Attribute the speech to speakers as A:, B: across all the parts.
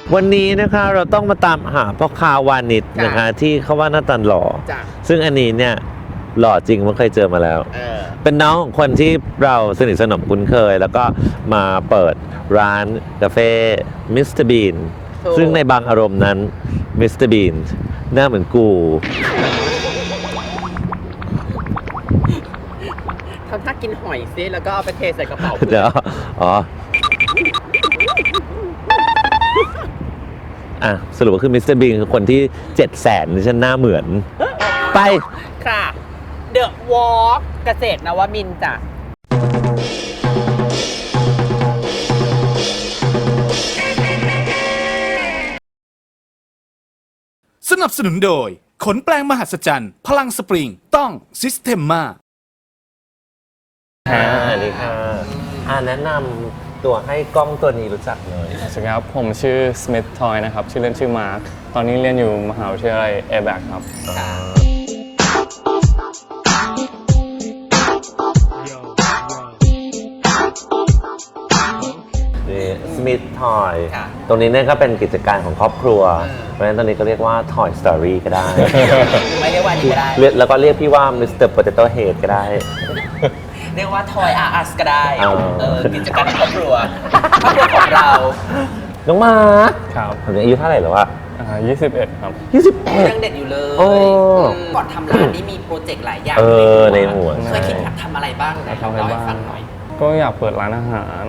A: วันนี้นะคะเราต้องมาตามหาพ่อค้าวานิชนะคะที่เขาว่าหน้าตาหล่อซึ่งอันนี้เนี่ยหล่อจริงมันเคยเจอมาแล้วเป็นน้องของคนที่เราสนิทสนมคุ้นเคย แล้วก็มาเปิดร้านกาแฟมิสเตอร์บีนซึ่งในบางอารมณ์นั้นมิสเตอร์บีนหน้าเหมือนกู
B: ทำท่ากินหอยซิแล้วก็เอาไปเทใส่กระเป๋า
A: เดี๋ยวอ๋อสรุปว่าคือมิสเตอร์บีนคือคนที่700,000ที่ฉันหน้าเหมือนไป
B: ค่ะเดอะวอล์กเกษตรนวมินทร์จ้ะ
C: สนับสนุนโดยขนแปลงมหัศจรรย์พลังสปริงต้องซิสเ e มมา
A: สวัสดีค่ะแนะนำตัวให้กล้องตัวนี้รู้จักเลย
D: สวัสดีครับผมชื่อสมิธทอยนะครับชื่อเล่นชื่อมาร์คตอนนี้เรียนอยู่มหาวิทยาลัยแอร์แบ็กครับ
A: สมิธทอยตรงนี้เนี่ยก็เป็นกิจการของครอบครัวเพราะฉะนั้นตอนนี้ก็เรียกว่า Toy Story ก็ได้
B: ไม่เรียกว่านี้ก็ได้
A: แล้วก็เรียกพี่ว่า Mr. Potato Head ก็ได้
B: เรียกว่า Toy R Us ก็ได้กิจการครอบครัวของเรา
A: น้องมา
D: ครับ
A: ตอนนี้อายุเท่าไหร่แล้ววะ
D: 21ครับ
A: 21
B: ยังเด็กอยู่เลยก่อนทำร้านนี้มีโปรเจกต์หลายอย่าง
A: ในหัว
B: เคยคิดอยากทำอะไรบ้างนะเล่าให้ฟังหน่อย
D: ก็อยากเปิดร้านอาหาร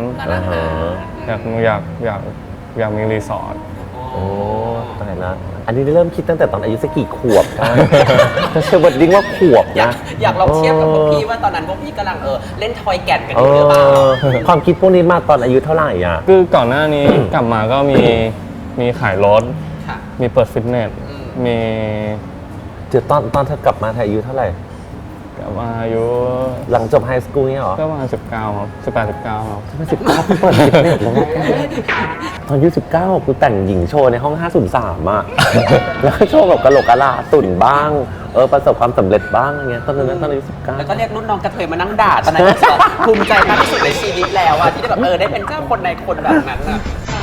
D: อยากมีรีสอร์ท
A: โอ้ตายละอันนี้เริ่มคิดตั้งแต่ตอนอายุสักกี่ขวบครับจะเชื่อว่าดิ้งว่าขวบนะ
B: อยากลองเทียบกับพวกพี่ว่าตอนนั้นพวกพี่กำลังเล่นทอยแก่นกันอยู่หรือเปล่า
A: ความคิดพวกนี้มาตอนอายุเท่าไหร่อ่ะ
D: คือก่อนหน้านี้กลับมาก็มีขายรถมีเปิดฟิตเนสมี
A: ตอนเธอกลับมาเธออายุเท่าไหร่
D: กลับมาอายุ
A: หลังจบไฮสคูลเนี่ยหรอ
D: ก็ประมาณ19ครับ18-19ครับ
A: 19เปิดฟิตเนสแล้วตอนอายุ19กูแต่งหญิงโชว์ในห้อง503อ่ะแล้วก็โชว์แบบกะโหลกกะลาตุ่นบ้างประสบความสำเร็จบ้างอะไรเงี้ยตอนนั้นตอนอายุ19
B: แล้วก็เรียกรุ่นน้องกระเทยมานั่งด่าตอนนั้นภูมิใจมากที่สุดในชีวิตแล้วอ่ะที่ได้แบบได้เป็นเจ้าคนในคนแบบนั้นอ่ะ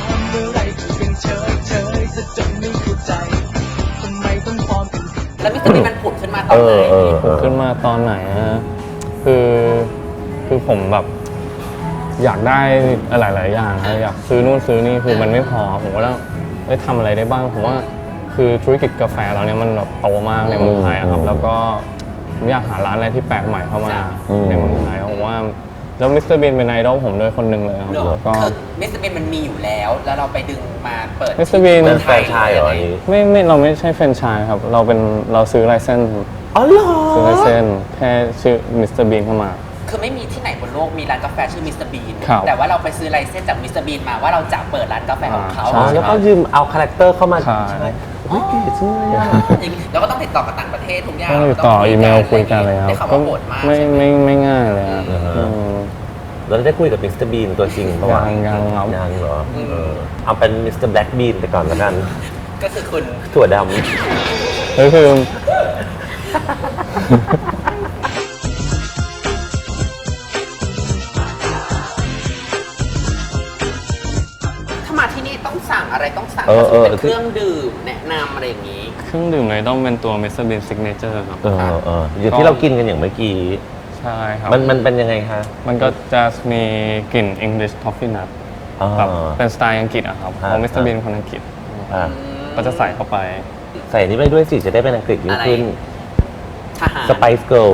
B: แล้วมิสเตอร์บีนมันผุดขึ้นมาตอนไหน
D: ผุดขึ้นมาตอนไหนคือผมแบบอยากได้หลายๆอย่างอยากซื้อนู่นซื้อนี่คือมันไม่พอผมก็ต้องทำอะไรได้บ้างผมว่าคือธุรกิจกาแฟเราเนี่ยมันแบบโตมากในเมืองไทยครับแล้วก็ผมอยากหาร้านอะไรที่แปลกใหม่เข้ามาในเมืองไทยผมว่าแล้วมิสเตอร์บีนเป็นไอดอลผมด้วยคนหนึ่งเลยครับแล้วก็
B: มิสเตอร์บีนมันมีอยู่แล้วเราไปดึงมาเปิด
D: มิสเตอร์บีน
A: เป็นแฟรนไชส์เหรอ
D: ไม่เราไม่ใช่แฟรนไชส์ครับเราซื้อไลเซนส์
A: อ๋อเหรอ
D: ซื้อไลเซนส์แค่ชื่อมิสเตอร์บีนเข้ามา
B: คือไม่มีที่ไหนบนโลกมีร้านกาแฟชื่อมิสเตอร์บีนแต่ว่าเราไปซื้อไลเซนส์จากมิสเตอร์บีนมาว่าเราจะเปิดร้านกาแฟของเขา
A: แล้วก็ยืมเอาคาแรคเตอร์เข้ามาใช่โอ้ยเก๋จังเลยอ่ะ
B: แล้วก็ต้องติดต่อกับต่างประเทศทุกอย่าง
D: ต้องติดต่ออีเมลคุยกันเลยครับก็ไม่ง่ายเลย
A: เราได้คุยกับมิสเตอร์บีนตัวจริงปะวะ
D: ยัง
A: เหรอเอาเป็นมิสเตอร์แบล็กบีนไปก่อนแล้วกัน
B: ก็คือคุณ
A: ถั่วด
D: ำคือ
B: ถ้ามาที่นี่ต้องสั่งอะไรต้องสั่งเป็นเครื่องดื่มแนะนำอะไรอย่างนี้
D: เครื่องดื่มเลยต้องเป็นตัวมิสเตอร์บีนซิกเนเจอร์ครับ
A: อยู่ที่เรากินกันอย่างเมื่อกี้
D: ใช่ครับ
A: มันเป็นยังไงคะ
D: มันก็จะมีกลิ่น English Toffee Nut แบบเป็นสไตล์อังกฤษอะครับเพราะมิสเตอร์บีนคนอังกฤษก็จะใส่เข้าไป
A: ใส่นี่ไปด้วยสิจะได้เป็นอังกฤษยิ่งขึ้นสไปซ์เกิร์ล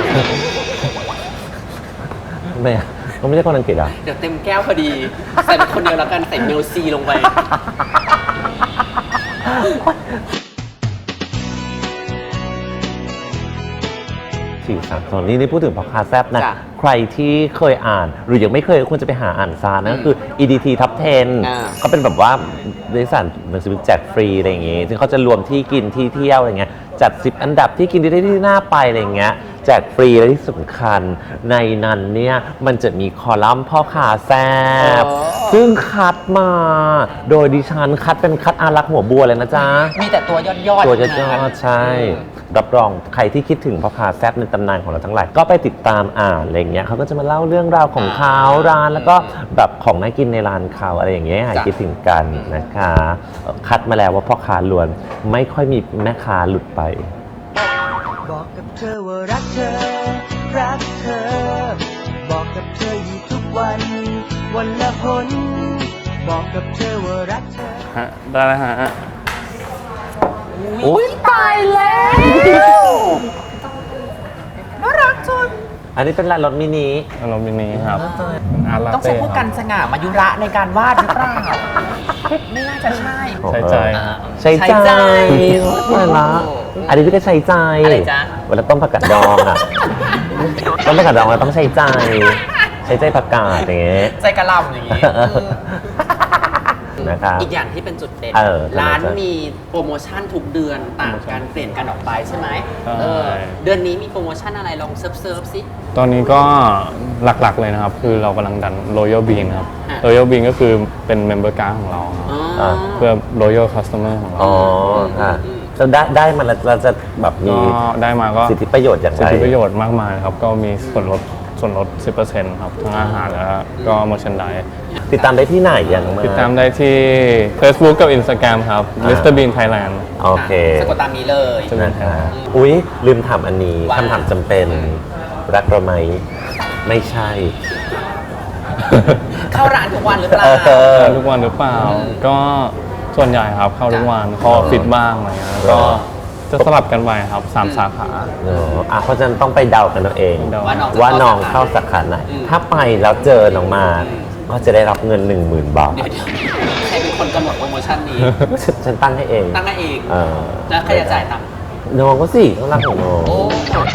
A: ไม่เขาไม่ใช่คนอังกฤษอ่ะ
B: เดี๋ยวเต็มแก้วพอดีใส่เป็นคนเดียวแล้วกันใส่เมลซีลงไป
A: 4-3-2นี่พูดถึงพ่อค้าแซ่บนะใครที่เคยอ่านหรือยังไม่เคยควรจะไปหาอ่านซานะคือ EDT Top 10เขาเป็นแบบว่าบริษัทหนังสือพิมพ์แจกฟรีอะไรอย่างงี้ซึ่งเขาจะรวมที่กินที่เที่ยวอะไรเงี้ยจัด10อันดับที่กินได้ที่น่าไปอะไรเงี้ยแจกฟรีและที่สำคัญในนั้นเนี่ยมันจะมีคอลัมน์พ่อค้าแซ่บซึ่งคัดมาโดยดิฉันคัดเป็นคัดอารักษ์หัวบัวเลยนะจ๊ะ
B: มีแต่ตัวยอด
A: ตัวยอดใช่ รับรองใครที่คิดถึงพ่อค้าแซ่บในตำนานของเราทั้งหลายก็ไปติดตามอ่านอะไรเงี้ยเขาก็จะมาเล่าเรื่องราวของเขาร้านแล้วก็แบบของน่ากินในร้านเขาอะไรอย่างเงี้ยให้คิดถึงกันนะคะคัดมาแล้วว่าพ่อค้าล้วนไม่ค่อยมีแม่ค้าหลุดไป
E: บอกกับเธอว่ารักเธอ รักเธอ บอกกับเธออยู่ทุกวัน วันละหนบอกกับเธอว่ารักเธอ
D: ฮะได้แล้วฮะ
A: อุ้ย
B: ตายแล้วน่ารักจัง
A: อันนี้เป็นร้านรถมินิ
D: อารมณ์นี้ครับอาร์ตลา
B: ต้อง
D: เต้
B: ใช้ผู้กันสง่ามายุระในการวาดหรือเปล่า ไม่น่าจะใช่
D: ใช้ใจ
A: ใช้
B: ใช้
A: ใจ
B: ใจ
A: ไม่ละอันนี้พี่ก็ใช้ใจ
B: อะไรจ๊ะ
A: เวลาต้มผักกาดดองอ่ะ ต้มผักกาดดองเราต้องใช้ใจ ใช้ใจผักกาดอย่างเงี้ย
B: ใจกระหลำอย่างนี้
A: นะครับ
B: อีกอย่างที่เป็นจุดเด่น
A: เออ
B: ร้าน
A: ทำไมจ๊ะ
B: มีโปรโมชั่นทุกเดือนต่างกันเปลี่ยนกันออกไปใช่ไหม
D: ใช่
B: เดือนนี้มีโปรโมชั่นอะไรลองเซิร์ฟสิ
D: ตอนนี้ก็หลักๆเลยนะครับ คือเรากำลังดัน Royal Bean ครับ
B: อ่ะ
D: Royal Bean ก็คือเป็น Member Card ของเราครับ
B: อ๋อ
D: เพื่อ Royal Customer ของเรา
A: อ๋อค่ะจะได้มันแล้วเราจะแบบมี
D: ก็ได้มาก็
A: สิทธิประโยชน์อย่าง
D: สิ
A: ไร
D: ทธิประโยชน์มากมายครับ ก็มีส่วนลด 10% ครับ ทั้งอาหารแล้วก็ merchandise
A: ติดตามได้ที่ไหนยังไง
D: ติดตามได้ที่ Facebook กับ Instagram ครับ Mr Bean Thailand
A: โอเค
B: สะกดตามนี้เลย
D: จะมี
A: นะคะอุ๊ย ลืมถามอันนี้
B: ว่า
A: คำถามจำเป็นรักเราไหมไม่ใช่
B: เข้าร้านทุกวันหรือเปล่า
D: เข้าทุกวันหรือเปล่า ก็ส่วนใหญ่ครับเข้าทุกวันเข้าออฟฟิศบ้างอะไรเงี้ยก็จะสลับกันไปครับ3 สาขา
A: เนอะเพราะฉะนั้นต้องไปเดากันเอาเอง
D: เดา
A: ว่าน้องเข้าสาขาไหน ถ้าไปแล้วเจอน้องมาก็จะได้รับเงิน 10,000 บาท
B: เดี๋ยวใครเป็นคนกำหนดโปรโมชั่นนี้
A: ฉันตั้งให้เอง
B: ตั้งให้เอง
A: เออ
B: แล้วใครจะจ่ายตังค์
A: น้องก็สิต้องรักของน้อง
B: โอ้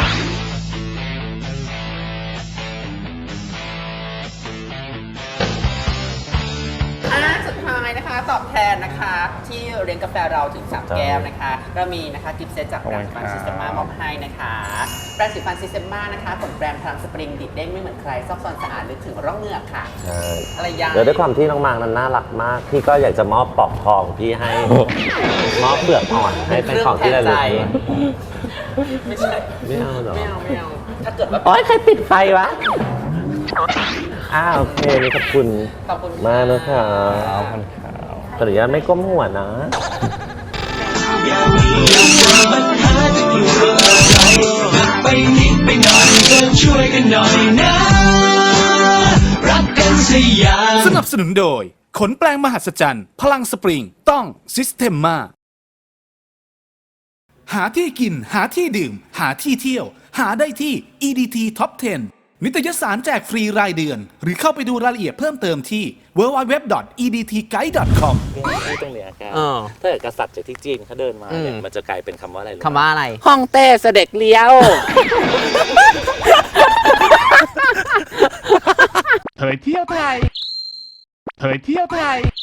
B: สุดท้ายนะคะ ตอบแทนนะคะ ที่เลี้ยงกาแฟเราถึง 3 แก้วนะคะเรามีนะคะกิฟต์เซตจากแบรนด์ฟันซิสเตมามอบให้นะคะแบรนด์สีฟันซิสเตมานะคะผลแบรนด์พลังสปริงดิดเด้งไม่เหมือนใครซอกซอนสะอาดลึกถึงร่องเหงือกค่ะ
A: ใช่
B: อะไรยัง
A: เดี๋ยวด้วยความที่น้องมางนั้นน่ารักมาก พี่ก็อยากจะมอบปลอกทองพี่ให้ มอบเปลือกอ่อนให้เป็นของที่ระลึก
B: ไม่ใช่
A: ไม่เอาเหรอ
B: ไม่เอา ถ้าเกิดว่า
A: โอ๊ยใครปิดไฟวะ โอเคนี่ขอบคุณ
B: ขอบคุณ
A: มากนะคะ
D: ขอบคุณครับ
A: ขออนุญาตไม่ก้มหัวนะ
E: ไปนิดไปหน่อยก็ช่วยกันหน่อยนะ รักกันสยาม
C: สนับสนุนโดย ขนแปลงมหัศจรรย์ พลังสปริง ต้อง Systema หาที่กิน หาที่ดื่ม หาที่เที่ยว หาได้ที่ EDT Top 10 นิตยสารแจกฟรีรายเดือน หรือเข้าไปดูรายละเอียดเพิ่มเติมที่ www.edtguide.com
A: ตรงเนี้ยแก
B: เออ
A: ถ้าเกิดกษัตริย์จากที่จีนเขาเดินมาเนี่ย
B: อืม
A: มันจะกลายเป็นคำว่าอะไรรู้ไหม
B: คำว่าอะไร ห้องเต้เสด็จเลี้ยว
C: เผยเที่ยวไทย เผยเที่ยวไทย